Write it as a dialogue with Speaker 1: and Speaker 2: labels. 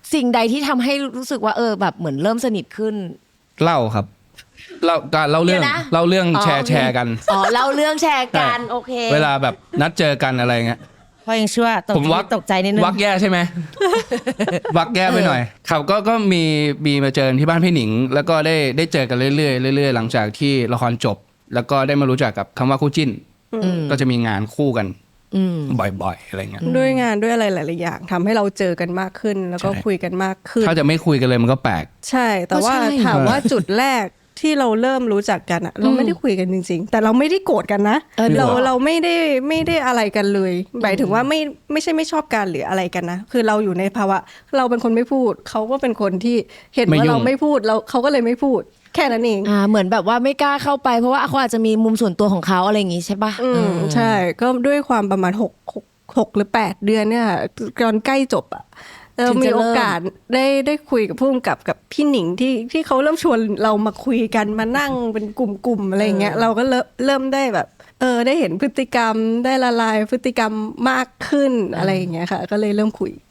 Speaker 1: สิ่งใดที่ทำให้รู้สึกว่าแบบเหมือนเริ่มสนิทขึ้น
Speaker 2: เล่าครับเล่าเรื่องแชร์กัน
Speaker 1: เล่าเรื่องแชร์กันโอเค
Speaker 2: เวลาแบบนัดเจอกันอะไรเงี้ย
Speaker 3: พอยังชั่วผมตกใจนิดนึง
Speaker 2: วักแย่ใช่ไหม วักแย่ไปหน่อยครับก็มีมาเจอที่บ้านพี่หนิงแล้วก็ได้เจอกันเรื่อยๆหลังจากที่ละครจบแล้วก็ได้มารู้จักกับคำว่าคู่จิ้นก็จะมีงานคู่กันบ่อยๆอะไรเงี้ย
Speaker 4: ด้วยงานด้วยอะไรหลายๆอย่างทำให้เราเจอกันมากขึ้นแล้วก็คุยกันมากขึ้น
Speaker 2: ถ้าจะไม่คุยกันเลยมันก็แปลก
Speaker 4: ใช่แต่ว่าถามว่าจุดแรกที่เราเริ่มรู้จักกันอะเราไม่ได้คุยกันจริงๆแต่เราไม่ได้โกรธกันนะเราไม่ได้อะไรกันเลยหมายถึงว่าไม่ใช่ไม่ชอบกันหรืออะไรกันนะคือเราอยู่ในภาวะเราเป็นคนไม่พูดเขาก็เป็นคนที่เห็นว่าเราไม่พูดเขาก็เลยไม่พูดแค่นั้นเอง
Speaker 1: เหมือนแบบว่าไม่กล้าเข้าไปเพราะว่าเขาอาจจะมีมุมส่วนตัวของเขาอะไรอย่างงี้ใช่ปะ
Speaker 4: ใช่ก็ด้วยความประมาณ6หรือ8เดือนเนี่ยตอนใกล้จบอะเรามีโอกาสได้คุยกับผู้กำกับพี่หนิงที่เขาเริ่มชวนเรามาคุยกันมานั่งเป็นกลุ่มๆอะไรเงี้ยเราก็เริ่มได้แบบได้เห็นพฤติกรรมได้ละลายพฤติกรรมมากขึ้นอะไรอย่างเงี้ยค่ะก็เลยเริ่มคุย